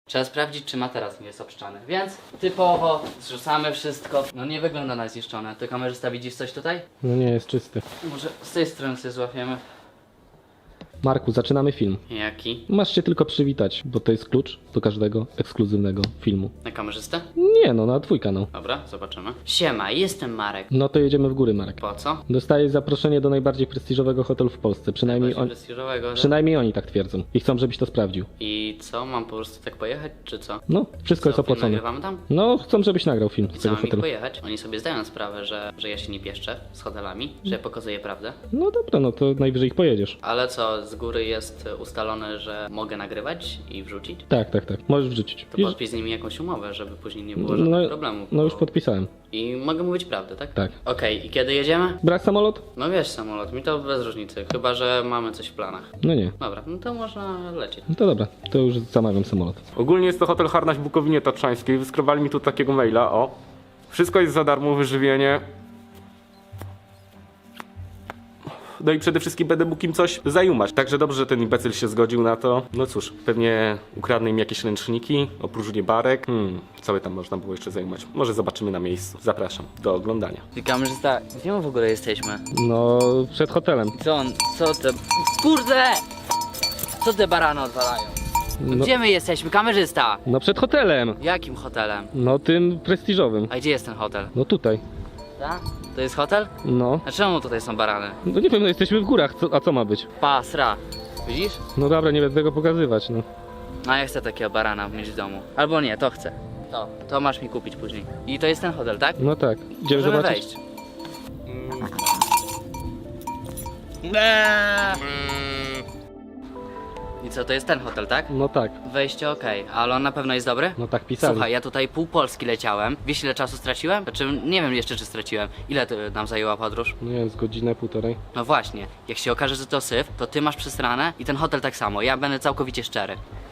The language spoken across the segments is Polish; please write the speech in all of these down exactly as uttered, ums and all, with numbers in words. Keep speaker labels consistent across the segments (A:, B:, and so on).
A: Trzeba sprawdzić, czy materac nie jest obszczany. Więc typowo zrzucamy wszystko. No nie wygląda na zniszczone. Ty kamerzysta widzisz coś tutaj?
B: No nie, jest czysty.
A: Może z tej strony sobie złapiemy.
B: Marku, zaczynamy film.
A: Jaki?
B: Masz się tylko przywitać, bo to jest klucz do każdego ekskluzywnego filmu.
A: Na kamerzystę?
B: Nie no, na twój kanał.
A: Dobra, zobaczymy. Siema, jestem Marek.
B: No to jedziemy w góry, Marek.
A: Po co?
B: Dostajesz zaproszenie do najbardziej prestiżowego hotelu w Polsce. Przynajmniej,
A: Bardziej
B: on,
A: prestiżowego, że...
B: przynajmniej oni tak twierdzą. I chcą, żebyś to sprawdził.
A: I co, mam po prostu tak pojechać, czy co?
B: No, wszystko jest
A: Co, film
B: opłacone.
A: nagrywamy tam?
B: No, chcą, żebyś nagrał film
A: I
B: z
A: co,
B: tego
A: mam ich
B: hotelu.
A: pojechać? Oni sobie zdają sprawę, że, że ja się nie pieszczę z hotelami, że ja pokazuję prawdę.
B: No dobra, no to najwyżej ich pojedziesz.
A: Ale co, z góry jest ustalone, że mogę nagrywać i wrzucić?
B: Tak, tak, tak. Możesz wrzucić.
A: To
B: Już-
A: podpisz z nimi jakąś umowę, żeby później nie było żadnych
B: no,
A: problemów.
B: no już
A: bo-
B: podpisałem.
A: I mogę mówić prawdę, tak?
B: Tak.
A: Okej, i kiedy jedziemy?
B: Brać samolot?
A: No wiesz, samolot, mi to bez różnicy, chyba że mamy coś w planach.
B: No nie.
A: Dobra, no to można lecieć.
B: No to dobra, to już zamawiam samolot.
C: Ogólnie jest to hotel Harnaś w Bukowinie Tatrzańskiej. Wyskrobali mi tu takiego maila, o. Wszystko jest za darmo, wyżywienie. No i przede wszystkim będę mógł im coś zajumać. Także dobrze, że ten imbecyl się zgodził na to. No cóż, pewnie ukradnę im jakieś ręczniki, opróżnię barek. Hmm, co by tam można było jeszcze zajumać? Może zobaczymy na miejscu. Zapraszam do oglądania.
A: Ty kamerzysta, gdzie my w ogóle jesteśmy?
B: No, przed hotelem.
A: Co on, co te... Kurde! Co te barany odwalają?
B: No,
A: Gdzie my jesteśmy, kamerzysta?
B: no przed hotelem.
A: Jakim hotelem?
B: No tym prestiżowym.
A: A gdzie jest ten hotel?
B: No tutaj.
A: Ta? To jest hotel?
B: No.
A: A czemu tutaj są barany?
B: No nie wiem, no jesteśmy w górach, co, a co ma być?
A: Pasra. Widzisz?
B: No dobra, nie będę tego pokazywać, no.
A: A ja chcę takiego barana mieć w domu. Albo nie, to chcę. To, to masz mi kupić później. I to jest ten hotel, tak?
B: No tak. Idziemy
A: Możemy
B: zobaczyć?
A: wejść. I co, to jest ten hotel, tak?
B: No tak.
A: Wejście okej, ale on na pewno jest dobry?
B: No tak pisali.
A: Słuchaj, ja tutaj pół Polski leciałem. Wiesz ile czasu straciłem? Znaczy, nie wiem jeszcze czy straciłem. Ile to nam zajęła podróż?
B: No nie wiem, z godzinę, półtorej.
A: No właśnie, jak się okaże, że to syf, to ty masz przesrane i ten hotel tak samo. Ja będę całkowicie szczery.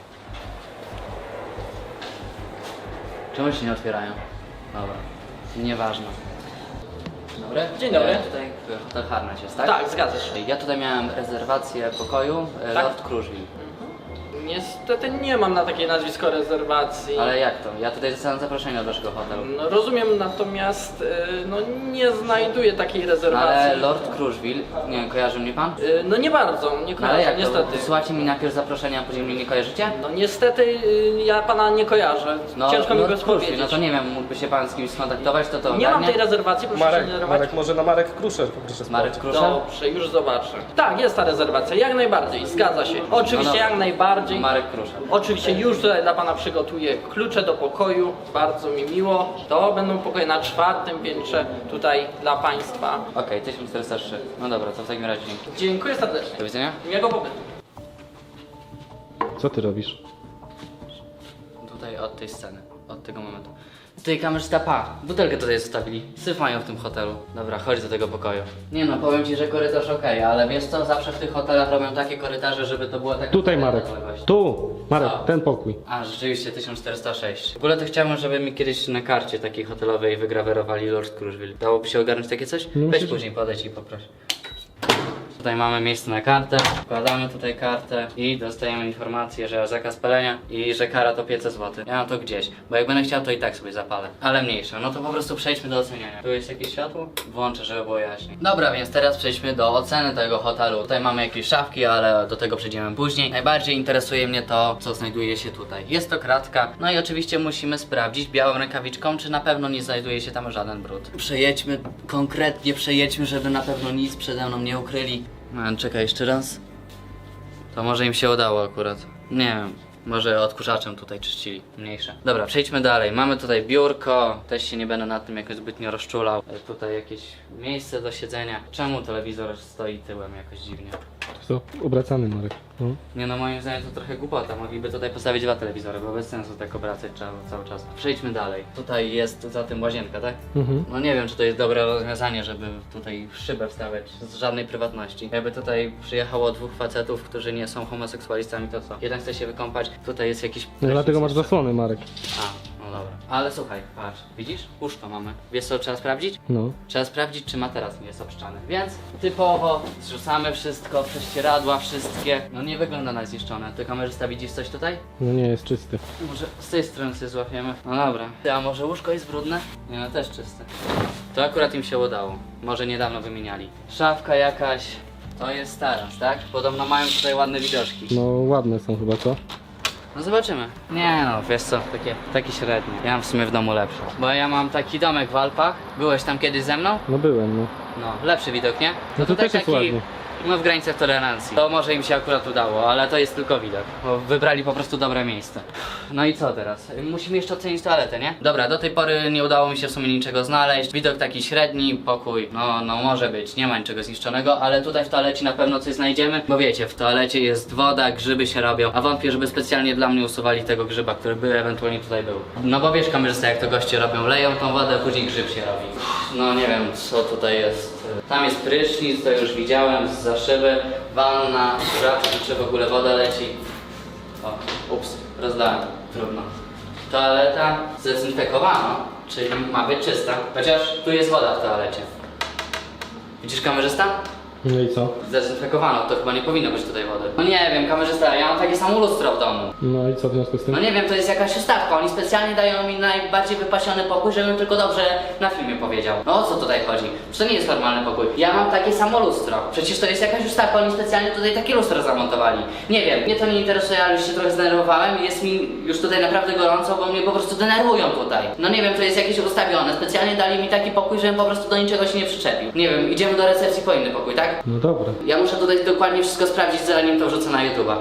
A: Czemu się nie otwierają? Dobra, nieważne. Dzień dobry.
D: Dzień dobry.
A: E, tutaj hotel Harnaś jest, tak?
D: Tak, zgadza się.
A: Ja tutaj miałem rezerwację pokoju e,
D: Tak.
A: Lord Kruszwil.
D: Niestety nie mam na takie nazwisko rezerwacji.
A: Ale jak to? Ja tutaj dostałem zaproszenie do waszego hotelu.
D: No, rozumiem, natomiast y, no, nie znajduję takiej rezerwacji.
A: Ale Lord Kruszwil, nie wiem, kojarzy mnie pan?
D: Y, no nie bardzo, nie
A: No ale
D: kojarzę,
A: jak
D: niestety.
A: to? Wysyłacie mi najpierw zaproszenie, a później mnie nie kojarzycie?
D: No niestety y, ja pana nie kojarzę.
A: No,
D: Ciężko mi
A: Lord
D: go
A: Kruszwil,
D: powiedzieć.
A: no to nie wiem, mógłby się pan z kimś skontaktować, to to
D: Nie mam
A: ogarnie?
D: tej rezerwacji, proszę się nie denerwować.
C: może na Marek Kruszer poproszę
A: Marek Kruszel?
D: Dobrze, już zobaczę. Tak, jest ta rezerwacja, jak najbardziej, zgadza się. Oczywiście
A: No dobra.
D: jak najbardziej.
A: Marek Kruszel.
D: Oczywiście już tutaj dla pana przygotuję klucze do pokoju, bardzo mi miło. To będą pokoje na czwartym piętrze tutaj dla państwa.
A: Okej, tysiąc czterysta trzy. No dobra, to w takim razie dzięki.
D: Dziękuję serdecznie.
A: Do widzenia.
D: Miłego pobytu.
B: Co ty robisz?
A: Tutaj od tej sceny, od tego momentu. Tutaj kamerzysta, pa, butelkę tutaj zostawili. Syf mają w tym hotelu. Dobra, chodź do tego pokoju. Nie no, powiem ci, że korytarz okej, ale wiesz co, zawsze w tych hotelach robią takie korytarze, żeby to była taka...
B: Tutaj, Marek.
A: odległość.
B: Tu! Marek,
A: Co?
B: ten pokój.
A: A, rzeczywiście, tysiąc czterysta sześć. W ogóle to chciałbym, żeby mi kiedyś na karcie takiej hotelowej wygrawerowali Lord Kruszwil. Dałoby się ogarnąć takie coś?
B: No
A: Weź
B: myślę, że-
A: później, podejdź i poproś. Tutaj mamy miejsce na kartę, wkładamy tutaj kartę i dostajemy informację, że zakaz palenia i że kara to pięćset złotych. Ja mam to gdzieś, bo jak będę chciał, to i tak sobie zapalę. Ale mniejsze, no to po prostu przejdźmy do oceniania. Tu jest jakieś światło? Włączę, żeby było jaśniej. Dobra, więc teraz przejdźmy do oceny tego hotelu. Tutaj mamy jakieś szafki, ale do tego przejdziemy później. Najbardziej interesuje mnie to, co znajduje się tutaj. Jest to kratka, no i oczywiście musimy sprawdzić białą rękawiczką, czy na pewno nie znajduje się tam żaden brud. Przejedźmy, konkretnie przejedźmy, żeby na pewno nic przede mną nie ukryli. No, czekaj, jeszcze raz. To może im się udało akurat. Nie wiem, może odkurzaczem tutaj czyścili, mniejsze. Dobra, przejdźmy dalej. Mamy tutaj biurko, też się nie będę nad tym jakoś zbytnio rozczulał. E, Tutaj jakieś miejsce do siedzenia. Czemu telewizor stoi tyłem jakoś dziwnie?
B: Co? Obracany, Marek. No.
A: Nie no, moim zdaniem to trochę głupota. Mogliby tutaj postawić dwa telewizory, bo bez sensu tak obracać trzeba cały czas. Przejdźmy dalej. Tutaj jest za tym łazienka, tak?
B: Mhm.
A: No nie wiem, czy to jest dobre rozwiązanie, żeby tutaj szybę wstawiać z żadnej prywatności. Jakby tutaj przyjechało dwóch facetów, którzy nie są homoseksualistami, to co? Jeden chce się wykąpać, tutaj jest jakiś...
B: No, dlatego masz
A: jeszcze.
B: zasłony, Marek.
A: A, no dobra. Ale słuchaj, patrz, widzisz? Łóżko mamy. Wiesz co trzeba sprawdzić?
B: No.
A: Trzeba sprawdzić, czy materac nie jest obszczany. Więc typowo zrzucamy wszystko, prześcieradła wszystkie. No nie wygląda na zniszczone. Ty kamerzysta widzisz coś tutaj?
B: No nie, jest czysty.
A: Może z tej strony sobie złapiemy. No dobra. Ty, a może łóżko jest brudne? Nie, no też czyste. To akurat im się udało. Może niedawno wymieniali. Szafka jakaś. To jest taras, tak? Podobno mają tutaj ładne widoczki.
B: No ładne są chyba, co?
A: No zobaczymy. Nie no, wiesz co, takie, takie średnie. Ja mam w sumie w domu lepsze. Bo ja mam taki domek w Alpach. Byłeś tam kiedyś ze mną?
B: No byłem, no.
A: No, lepszy widok, nie?
B: No to
A: tutaj
B: też jest ładnie.
A: no w granicach tolerancji. To może im się akurat udało, ale to jest tylko widok. Bo wybrali po prostu dobre miejsce. No i co teraz? Musimy jeszcze ocenić toaletę, nie? Dobra, do tej pory nie udało mi się w sumie niczego znaleźć. Widok taki średni, pokój, no, no może być, nie ma niczego zniszczonego, ale tutaj w toalecie na pewno coś znajdziemy. Bo wiecie, w toalecie jest woda, grzyby się robią, a wątpię, żeby specjalnie dla mnie usuwali tego grzyba, który by ewentualnie tutaj był. No bo wiesz, kamerzysta, jak to goście robią, leją tą wodę, a później grzyb się robi. No nie wiem, co tutaj jest. Tam jest prysznic, to już widziałem, za szyby, wanna, rzadko, czy w ogóle woda leci. O, ups, rozdałem, trudno. Toaleta zdezynfekowano, czyli ma być czysta, chociaż tu jest woda w toalecie. Widzisz kamerzysta?
B: No i co?
A: Zdezynfekowano, to chyba nie powinno być tutaj wody. No nie wiem, kamerzysta, ja mam takie samo lustro w domu.
B: No i co w związku z tym?
A: No nie wiem, to jest jakaś ustawka, oni specjalnie dają mi najbardziej wypasiony pokój, żebym tylko dobrze na filmie powiedział. No o co tutaj chodzi? Przecież to nie jest normalny pokój. Ja mam takie samo lustro. Przecież to jest jakaś ustawka, oni specjalnie tutaj takie lustro zamontowali. Nie wiem, mnie to nie interesuje, ale już się trochę zdenerwowałem i jest mi już tutaj naprawdę gorąco, bo mnie po prostu denerwują tutaj. No nie wiem, to jest jakieś ustawione, specjalnie dali mi taki pokój, żebym po prostu do niczego się nie przyczepił. Nie wiem, idziemy do recepcji po inny pokój, tak?
B: No dobra.
A: Ja muszę tutaj dokładnie wszystko sprawdzić, zanim to wrzucę na YouTube'a.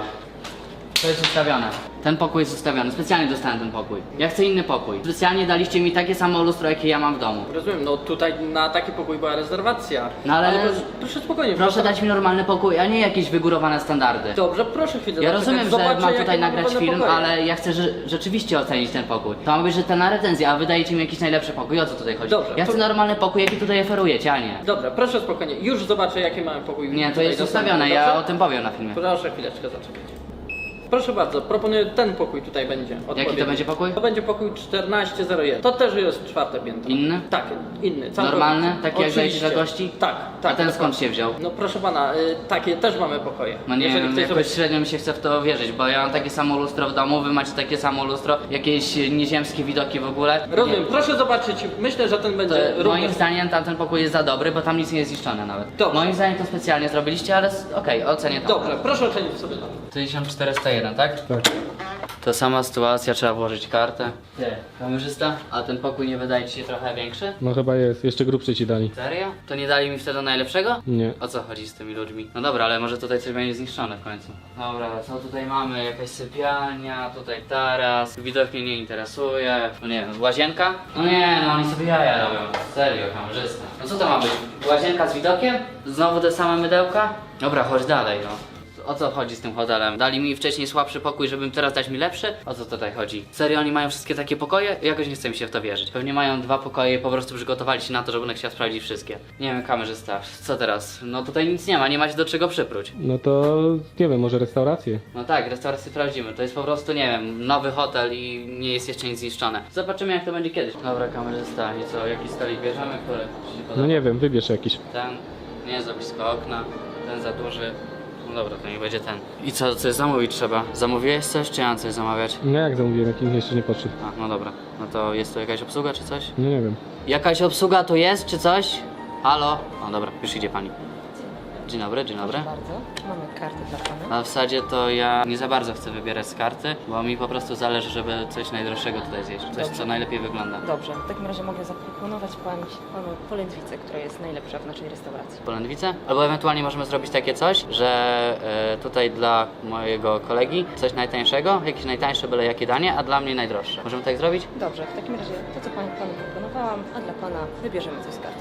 A: To jest ustawione. Ten pokój jest ustawiony. Specjalnie dostałem ten pokój. Ja chcę inny pokój. Specjalnie daliście mi takie samo lustro, jakie ja mam w domu.
D: Rozumiem, no tutaj na taki pokój była rezerwacja.
A: No ale-
D: proszę, proszę spokojnie.
A: Proszę dać mi normalny pokój, a nie jakieś wygórowane standardy.
D: Dobrze, proszę chwilę.
A: Ja
D: zaczekać.
A: rozumiem, że
D: Zobaczę,
A: mam
D: jakie
A: tutaj
D: mamy
A: nagrać
D: wolne
A: film,
D: pokoje.
A: ale ja chcę że, rzeczywiście ocenić ten pokój. To ma być rzetelna recenzja, a wy dajecie mi jakiś najlepszy pokój. O co tutaj chodzi?
D: Dobrze,
A: Ja
D: to-
A: chcę normalny pokój, jaki tutaj oferujecie, a nie.
D: Dobra, proszę spokojnie. Już zobaczę, jakie mamy pokój.
A: Nie, to
D: tutaj
A: jest
D: dostępny,
A: ustawione, ja
D: dobrze?
A: o tym powiem na filmie.
D: Proszę chwileczkę zaczekać. Proszę bardzo, proponuję ten pokój tutaj będzie. odpowiedni.
A: to będzie pokój?
D: To będzie pokój czternaście zero jeden. To też jest czwarte piętro.
A: Inny?
D: Tak, inny. Całkowicie.
A: Normalny? Taki jak
D: Oczywiście.
A: dajecie dla gości?
D: Tak, tak.
A: A ten
D: dokładnie.
A: skąd się wziął?
D: No proszę pana, y, takie też mamy pokoje.
A: No nie
D: Jeżeli
A: wiem,
D: ktoś
A: jakoś
D: sobie...
A: średnio mi się chce w to wierzyć, bo ja mam takie samo lustro w domu, wy macie takie samo lustro, jakieś nieziemskie widoki w ogóle.
D: Rozumiem,
A: Nie.
D: proszę zobaczyć. Myślę, że ten
A: To,
D: będzie
A: moim
D: również...
A: zdaniem tamten pokój jest za dobry, bo tam nic nie jest zniszczone nawet.
D: Dobrze.
A: Moim zdaniem to specjalnie zrobiliście, ale s- okej, ocenię to.
D: Dobrze, proszę ocenić sobie to.
A: tysiąc czterysta jeden, tak?
B: Tak.
A: To sama sytuacja, trzeba włożyć kartę. Ty, kamerzysta, a ten pokój nie wydaje ci się trochę większy?
B: No chyba jest. Jeszcze grubszy ci dali.
A: Serio? To nie dali mi wtedy najlepszego?
B: Nie.
A: O co chodzi z tymi ludźmi? No dobra, ale może tutaj coś będzie zniszczone w końcu. Dobra, co tutaj mamy? Jakaś sypialnia, tutaj taras. Widok mnie nie interesuje. No nie wiem, łazienka? No nie, no oni sobie jaja robią. Serio, kamerzysta. No co to ma być? Łazienka z widokiem? Znowu te same mydełka? Dobra, chodź dalej, no. O co chodzi z tym hotelem? Dali mi wcześniej słabszy pokój, żeby im teraz dać mi lepszy? O co tutaj chodzi? Serio, oni mają wszystkie takie pokoje? Jakoś nie chce mi się w to wierzyć. Pewnie mają dwa pokoje i po prostu przygotowali się na to, że będę chciał sprawdzić wszystkie. Nie wiem, kamerzysta, co teraz? No tutaj nic nie ma, nie macie do czego przypróć.
B: No to nie wiem, może restaurację.
A: No tak, restaurację sprawdzimy. To jest po prostu, nie wiem, nowy hotel i nie jest jeszcze nic zniszczone. Zobaczymy, jak to będzie kiedyś. Dobra, kamerzysta, i co? Jaki stolik bierzemy? Który ci się podoba?
B: No nie wiem, wybierz jakiś.
A: Ten, nie za blisko okna, ten za duży. No dobra, to niech będzie ten. I co, coś zamówić trzeba? Zamówiłeś coś, czy ja mam coś zamawiać?
B: No jak zamówiłem, jak nikt jeszcze nie podszedł.
A: A, no dobra. No to jest tu jakaś obsługa, czy coś?
B: No nie wiem.
A: Jakaś obsługa tu jest, czy coś? Halo? No dobra, już idzie pani. Dzień dobry, dzień dobry.
E: Bardzo. Mamy karty dla Pana.
A: A w zasadzie to ja nie za bardzo chcę wybierać z karty, bo mi po prostu zależy, żeby coś najdroższego tutaj zjeść. Coś, co najlepiej wygląda.
E: Dobrze, w takim razie mogę zaproponować pan, Panu polędwicę, która jest najlepsza w naszej restauracji.
A: Polędwice? Albo ewentualnie możemy zrobić takie coś, że e, tutaj dla mojego kolegi coś najtańszego, jakieś najtańsze byle jakie danie, a dla mnie najdroższe. Możemy tak zrobić?
E: Dobrze, w takim razie to, co Panu, panu proponowałam, a dla Pana wybierzemy coś z karty.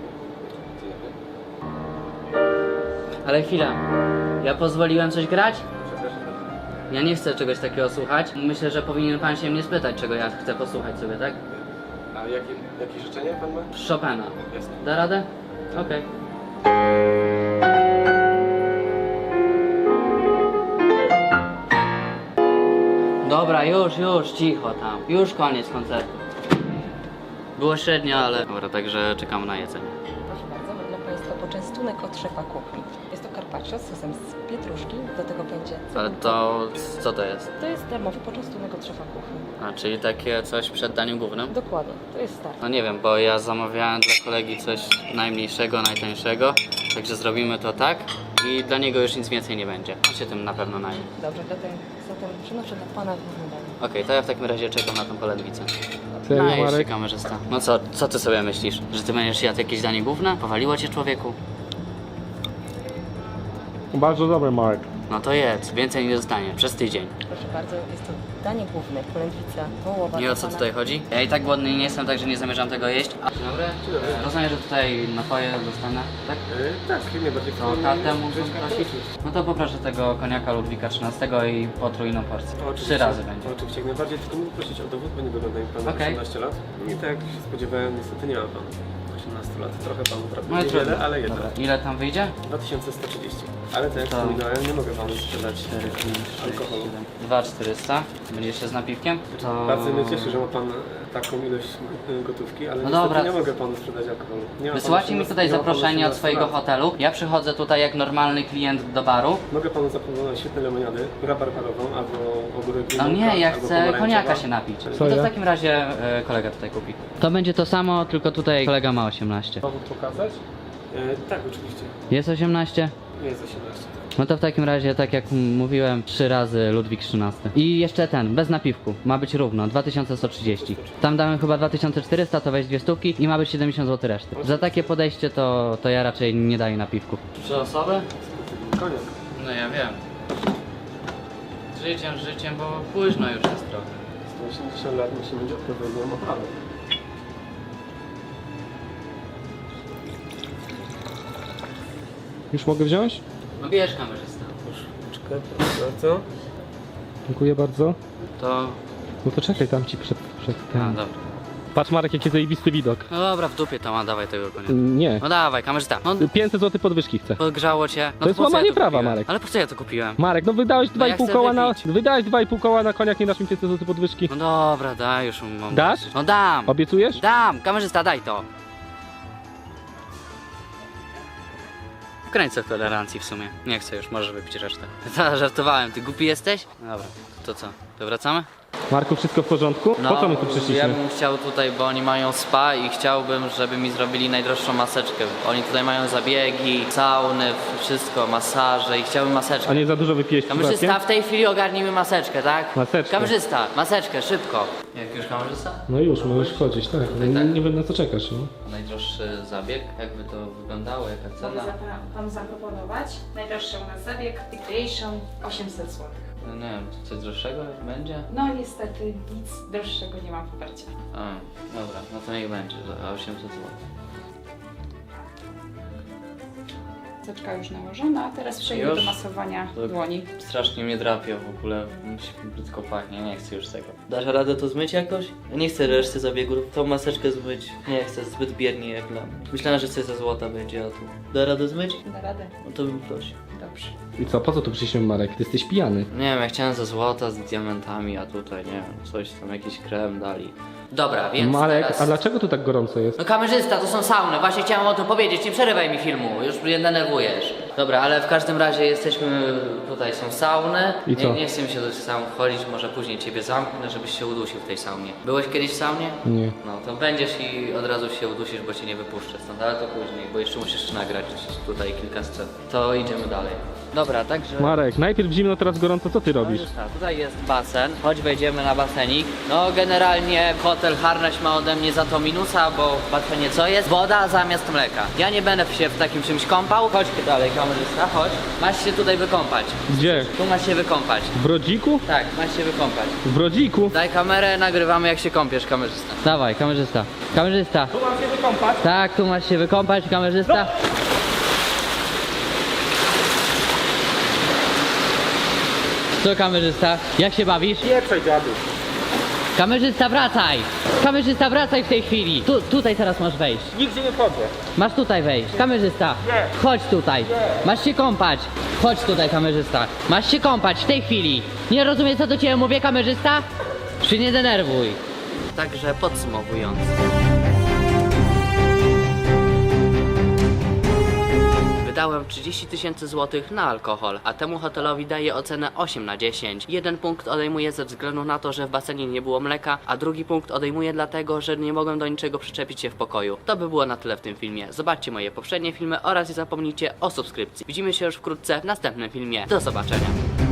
A: Ale chwila, ja pozwoliłem coś grać? Ja nie chcę czegoś takiego słuchać. Myślę, że powinien pan się mnie spytać, czego ja chcę posłuchać sobie, tak?
F: A jakie, jakie życzenie pan ma?
A: Chopina.
F: Jasne.
A: Da radę? Okej. Dobra, już, już, cicho tam. Już koniec koncertu. Było średnio, ale... Dobra, także czekamy na jedzenie.
E: Proszę bardzo, mam dla Państwa poczęstunek od szefa kuchni. Jest to carpaccio z sosem z pietruszki, do tego będzie...
A: Ale to... co to jest?
E: To jest darmowy poczęstunek od szefa kuchni.
A: A, czyli takie coś przed daniem głównym?
E: Dokładnie, to jest start.
A: No nie wiem, bo ja zamawiałem dla kolegi coś najmniejszego, najtańszego, także zrobimy to tak i dla niego już nic więcej nie będzie. On się tym na pewno naje.
E: Dobrze, zatem, zatem przynoszę dla Pana główny danie.
A: Okej, to ja w takim razie czekam na tą polędwicę.
B: Serio,
A: No i się
B: Marek?
A: kamerzysta. No co, co ty sobie myślisz? Że ty będziesz jadł jakieś danie główne? Powaliło cię, człowieku?
B: Bardzo dobry, Marek.
A: No to jedz, więcej nie dostanie, przez tydzień.
E: Proszę bardzo, jest to danie główne, polędwica wołowa.
A: Nie o
E: dla
A: co
E: pana.
A: tutaj chodzi? Ja i tak głodny nie jestem, także nie zamierzam tego jeść. A, dzień dobry. Rozumiem, że tutaj napoje dostanę, tak?
F: Yy, tak, jak najbardziej.
A: To kartę mógłbym prosić? No to poproszę tego koniaka Ludwika trzynastego i potrójną porcję. Trzy razy będzie.
F: Oczywiście, jak najbardziej, tylko mógł prosić o dowód, bo nie wygląda mi pan na
A: Okej.
F: osiemnaście lat. I tak jak się spodziewałem, niestety nie ma pan osiemnaście lat. Trochę panu
A: No
F: brakuje,
A: i
F: niewiele,
A: trudno.
F: ale jednak.
A: Dobra, ile tam wyjdzie?
F: dwa tysiące sto trzydzieści. Ale tak jak
A: To-
F: wspominałem, nie mogę panu sprzedać
A: cztery, pięć, sześć,
F: alkoholu.
A: siedem. dwa tysiące czterysta. Będzie jeszcze z napiwkiem? To...
F: Bardzo mnie cieszy, że ma pan taką ilość y, gotówki, ale
A: No
F: niestety
A: dobra.
F: nie mogę panu sprzedać alkoholu. Nie ma pan
A: Wysyłacie mi
F: osiemnaście
A: tutaj
F: nie ma pan
A: zaproszenie od
F: osiemnaście
A: swojego
F: lat.
A: hotelu. Ja przychodzę tutaj jak normalny klient do baru.
F: Mogę panu zaproponować świetne lemoniady, rabarbarową albo ogórek
A: No
F: limonka,
A: nie, ja
F: albo
A: chcę
F: pomarańczowa.
A: koniaka się napić.
B: Co
A: No to w
B: ja?
A: takim razie e, kolega tutaj kupi. To będzie to samo, tylko tutaj kolega ma osiemnaście.
F: Dowód pokazać? E, tak, oczywiście.
A: Jest osiemnaście?
F: Nie jest osiemnaście.
A: No to w takim razie, tak jak m- mówiłem, trzy razy Ludwik trzynasty. I jeszcze ten, bez napiwku. Ma być równo, dwa tysiące sto trzydzieści. Tam damy chyba dwa tysiące czterysta, to weź dwie stówki i ma być siedemdziesiąt złotych reszty. Za takie podejście to, to ja raczej nie daję napiwków. Trzy osoby?
F: Koniec.
A: No ja wiem. Życiem, życiem, bo późno już jest trochę.
F: sto osiemdziesiąt lat musi mieć odpowiednią oprawę.
B: Już mogę wziąć?
A: No bierz kamerzysta.
F: Czekaj, proszę bardzo.
B: Dziękuję bardzo.
A: To...
B: No to czekaj tam ci przed, przed
A: A,
B: tym.
A: dobra.
B: Patrz, Marek, jaki zajebisty widok.
A: No dobra, w dupie to ma, dawaj tego konia.
B: Nie.
A: No dawaj, kamerzysta. No
B: pięćset złotych podwyżki chcę.
A: podgrzało cię. No
B: To jest
A: po co
B: łamanie
A: ja
B: prawa,
A: kupiłem?
B: Marek.
A: Ale po co ja to kupiłem?
B: Marek, no wydałeś dwa i
A: ja
B: pół
A: chcę
B: koła na...
A: wypić.
B: Wydałeś dwa i pół koła na koniak, nie dasz mi pięćset złotych podwyżki.
A: No dobra, daj już mam.
B: Dasz?
A: No dam!
B: Obiecujesz?
A: Dam! Kamerzysta, daj to! W granicach tolerancji w sumie. Nie chcę już, możesz wypić resztę. Ta, żartowałem, ty głupi jesteś? No dobra, to co? To wracamy?
B: Marku, wszystko w porządku? po co my tu przyszliśmy?
A: ja bym chciał tutaj, bo oni mają spa i chciałbym, żeby mi zrobili najdroższą maseczkę. Oni tutaj mają zabiegi, sauny, wszystko, masaże i chciałbym maseczkę.
B: A nie za dużo wypijesz
A: Kamerzysta,
B: przypadkiem?
A: w tej chwili ogarnij mi maseczkę, tak?
B: Maseczkę.
A: Kamerzysta, maseczkę, szybko. Jak już kamerzysta?
B: No już, możesz wchodzić, tak. Nie,
A: tak.
B: nie wiem na co czekasz, no.
A: Najdroższy zabieg, jakby to wyglądało, jaka
G: Mogę
A: cena?
G: zapra- panu zaproponować najdroższy u nas zabieg Recreation osiemset złotych.
A: No nie wiem, coś droższego będzie?
G: No niestety nic droższego nie mam w ofercie.
A: A, dobra, no to niech będzie, za osiemset złotych.
G: Maseczka już nałożona, a teraz przejdę
A: Już?
G: do masowania
A: To-
G: dłoni.
A: Strasznie mnie drapie w ogóle, mi się brzydko pachnie, nie chcę już tego. Dasz radę to zmyć jakoś? Ja nie chcę reszty zabiegów, tą maseczkę zmyć. Nie chcę, zbyt biernie jak dla mnie. Myślałem, że coś ze złota będzie, a tu... Da radę zmyć?
G: Da radę?
A: No to bym prosił.
G: Dobrze.
B: I co, po co tu przyszliśmy, Marek? Ty jesteś pijany.
A: Nie wiem, ja chciałem ze złota, z diamentami, a tutaj nie wiem, coś tam, jakiś krem dali. Dobra, więc
B: Marek,
A: teraz...
B: a dlaczego tu tak gorąco jest?
A: No kamerzysta, to są sauny, właśnie chciałem o tym powiedzieć, nie przerywaj mi filmu, już mnie denerwujesz. Dobra, ale w każdym razie jesteśmy, tutaj są sauny.
B: I co?
A: Nie, nie chcę mi się do tych saun wchodzić, może później ciebie zamknę, żebyś się udusił w tej saunie. Byłeś kiedyś w saunie?
B: Nie.
A: No to będziesz i od razu się udusisz, bo cię nie wypuszczę stąd, ale to później, bo jeszcze musisz nagrać tutaj kilka scen. To idziemy dalej. Dobra, także...
B: Marek, najpierw zimno, teraz gorąco, co ty
A: No
B: robisz?
A: już tak, tutaj jest basen, choć wejdziemy na basenik. No generalnie hotel Harnaś ma ode mnie za to minusa, bo w basenie co jest? Woda zamiast mleka. Ja nie będę się w takim czymś kąpał. Chodź dalej, kamerzysta, chodź. Masz się tutaj wykąpać.
B: Gdzie?
A: Tu masz się wykąpać.
B: W Brodziku?
A: Tak, masz się wykąpać.
B: W Brodziku?
A: Daj kamerę, nagrywamy jak się kąpiesz, kamerzysta. Dawaj, kamerzysta. Kamerzysta.
B: Tu mam się wykąpać?
A: Tak, tu masz się wykąpać, kamerzysta. Co kamerzysta? Jak się bawisz?
B: Nie, dziadu.
H: Kamerzysta, wracaj! Kamerzysta, wracaj w tej chwili! Tu, tutaj teraz masz wejść.
C: Nigdzie nie wchodzę.
H: Masz tutaj wejść. Kamerzysta, chodź tutaj. Masz się kąpać. Chodź tutaj, kamerzysta. Masz się kąpać w tej chwili. Nie rozumiesz, co do ciebie mówię, kamerzysta? Się nie denerwuj.
A: Także podsumowując. Wydałem trzydzieści tysięcy złotych na alkohol, a temu hotelowi daję ocenę osiem na dziesięć. Jeden punkt odejmuję ze względu na to, że w basenie nie było mleka, a drugi punkt odejmuję dlatego, że nie mogłem do niczego przyczepić się w pokoju. To by było na tyle w tym filmie. Zobaczcie moje poprzednie filmy oraz nie zapomnijcie o subskrypcji. Widzimy się już wkrótce w następnym filmie. Do zobaczenia.